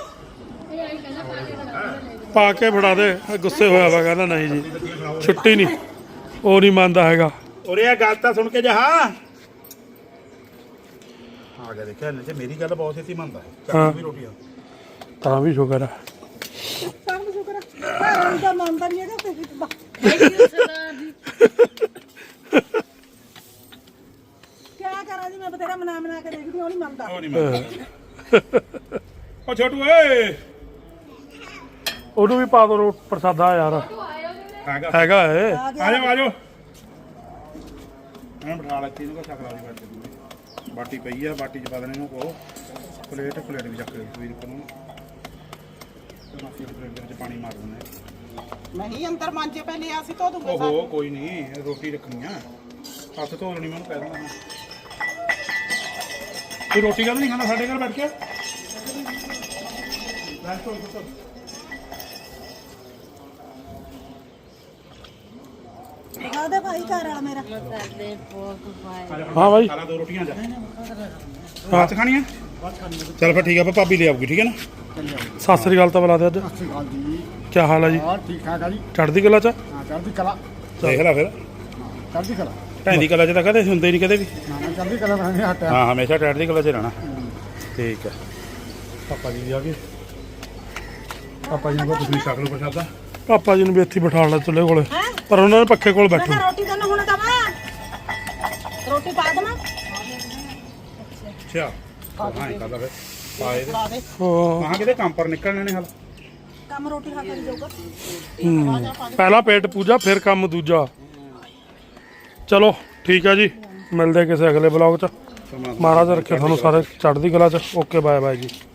Speaker 5: ਪਾ ਕੇ ਫੜਾ ਦੇ। ਗੁੱਸੇ ਹੋਇਆ ਵਾ, ਕਹਿੰਦਾ ਨਹੀਂ ਜੀ ਛੁੱਟੀ ਨਹੀਂ। ਉਹ ਨਹੀਂ ਮੰਨਦਾ ਹੈਗਾ।
Speaker 1: ਉਰੇ ਆ ਗੱਲ ਤਾਂ ਸੁਣ ਕੇ ਜਾ। ਆ ਗਿਆ ਦੇਖਿਆ ਇਹਨੇ ਤੇ ਮੇਰੀ ਗੱਲ ਬਹੁਤ ਛੇਤੀ ਮੰਨਦਾ ਹੈ। ਚੱਲ ਵੀ ਰੋਟੀਆਂ
Speaker 5: ਤਾਂ ਵੀ ਸ਼ੁਕਰ ਹੈ।
Speaker 3: ਸਭ ਨੂੰ ਸ਼ੁਕਰ ਹੈ। ਘਰ ਦਾ ਮੰਨਦਾ ਨਹੀਂ ਹੈਗਾ ਤੇ ਕਿਆ ਕਰਾਂ ਜੀ, ਮੈਂ ਬਥੇਰਾ ਮਨਾ ਕੇ ਦੇਖਦੀ ਹਾਂ, ਉਹ ਨਹੀਂ ਮੰਨਦਾ।
Speaker 1: ਉਹ ਨਹੀਂ ਮੰਨਦਾ। ਉਹ ਛੋਟੂ ਓਏ
Speaker 5: ਉਹਨੂੰ ਵੀ ਪਾ ਦੋ ਪ੍ਰਸਾਦਾ ਯਾਰ। ਹੈਗਾ ਏ।
Speaker 1: ਆ ਜਾਓ ਮੈਂ ਬਿਠਾ ਲੱਤੀ ਇਹਨੂੰ ਕੋ ਸ਼ਕਲਾ ਦੀ ਬਾਟੀ ਪਈ ਆ, ਬਾਟੀ ਚ ਪਾ ਦੇਣੇ ਇਹਨੂੰ ਕੋ। ਪਲੇਟ ਵੀ ਚੱਕ ਲਈ ਵੀਰ ਕੋਲ ਨੂੰ। ਮਾਸੀ ਦੇ ਪਲੇਟ ਦੇ ਵਿੱਚ ਪਾਣੀ ਮਾਰ ਦਿੰਦੇ।
Speaker 4: ਨਹੀਂ ਅੰਦਰ ਮਾਂਜੇ ਪਹਿਲੇ ਅਸੀਂ ਧੋ ਦੂੰਗੇ ਸਾਰੇ।
Speaker 1: ਓਹੋ ਕੋਈ ਨਹੀਂ, ਰੋਟੀ ਰੱਖਣੀ ਆ। ਹੱਥ ਧੋ ਲੈਣੀ, ਮੈਨੂੰ ਕਹਿ ਦਿੰਦਾ ਮੈਂ। ਤੂੰ ਰੋਟੀ ਕਦ ਨਹੀਂ ਖਾਂਦਾ ਸਾਡੇ ਘਰ ਬੈਠ ਕੇ?
Speaker 3: ਉਹਦੇ ਭਾਈ ਘਰ ਵਾਲਾ ਮੇਰਾ
Speaker 7: ਮਸਾਲੇ ਪੋਕ ਪਾਏ
Speaker 5: ਹਾਂ ਬਾਈ
Speaker 1: ਖਾ ਲਾ 2 ਰੋਟੀਆਂ ਜਾ ਬਾਤ ਖਾਣੀਆਂ ਚੱਲ ਫਿਰ ਠੀਕ ਆ ਭਾਬੀ ਲੈ ਆਊਗੀ ਠੀਕ ਹੈ ਨਾ
Speaker 5: ਸਤਿ ਸ੍ਰੀ ਅਕਾਲ ਤਾਂ ਬੁਲਾ ਦੇ ਅੱਜ ਕੀ ਹਾਲ ਹੈ ਜੀ
Speaker 8: ਠੀਕ ਠਾਕ ਆ ਜੀ
Speaker 5: ਚੜ੍ਹਦੀ ਕਲਾ ਚ
Speaker 8: ਹਾਂ ਚੜ੍ਹਦੀ ਕਲਾ
Speaker 1: ਦੇਖ ਲੈ ਫਿਰ
Speaker 8: ਚੜ੍ਹਦੀ ਕਲਾ
Speaker 1: ਭੈਣ ਦੀ ਕਲਾ 'ਚ ਤਾਂ ਕਦੇ ਹੁੰਦੇ ਨਹੀਂ ਕਦੇ ਵੀ
Speaker 8: ਨਾ ਚੜ੍ਹਦੀ ਕਲਾ ਬਣਾਣੇ ਹਟਿਆ
Speaker 1: ਹਾਂ ਹਮੇਸ਼ਾ ਟੈਟ ਦੀ ਕਲਾ 'ਚ ਰਹਿਣਾ ਠੀਕ ਹੈ ਪਾਪਾ ਜੀ ਵੀ ਆ ਗਏ ਪਾਪਾ ਜੀ ਨੂੰ ਕਹੋ ਤੁਸੀਂ ਛਕ ਲਓ ਪ੍ਰਸ਼ਾਦਾ
Speaker 5: ਪਾਪਾ ਜੀ ਨੂੰ ਵੀ ਇੱਥੇ ਹੀ ਬਿਠਾ ਲਿਆ ਚੁੱਲ੍ਹੇ ਕੋਲੇ ਪਰ ਉਹਨਾਂ ਨੇ ਪੱਖੇ ਕੋਲ
Speaker 3: ਮੈਂ
Speaker 5: ਬੈਠੇ
Speaker 3: ਕਿਹਾ ਰੋਟੀ ਤੈਨੂੰ ਹੁਣ ਦਵਾਂ ਰੋਟੀ ਪਾ ਦੇਵਾਂ
Speaker 1: ਅੱਛਾ ਹਾਂ ਇਹ ਕਰਦਾ ਫਿਰ ਪਾਏ ਦੇ
Speaker 5: ਹਾਂ
Speaker 1: ਮਾਂ ਕਿਤੇ ਕੰਮ ਪਰ ਨਿਕਲਣੇ ਨੇ ਹਾਲ
Speaker 3: ਕੰਮ ਰੋਟੀ ਖਾ ਕੇ ਜਾਊਗਾ
Speaker 5: ਪਹਿਲਾ ਪੇਟ ਪੂਜਾ ਫਿਰ ਕੰਮ ਦੂਜਾ ਚਲੋ ਠੀਕ ਆ ਜੀ ਮਿਲਦੇ ਕਿਸੇ ਅਗਲੇ ਬਲੌਗ ਚ ਮਹਾਰਾਜ ਰੱਖੇ ਤੁਹਾਨੂੰ ਸਾਰੇ ਚੜ੍ਹਦੀ ਕਲਾ ਚ ਓਕੇ ਬਾਏ ਬਾਏ ਜੀ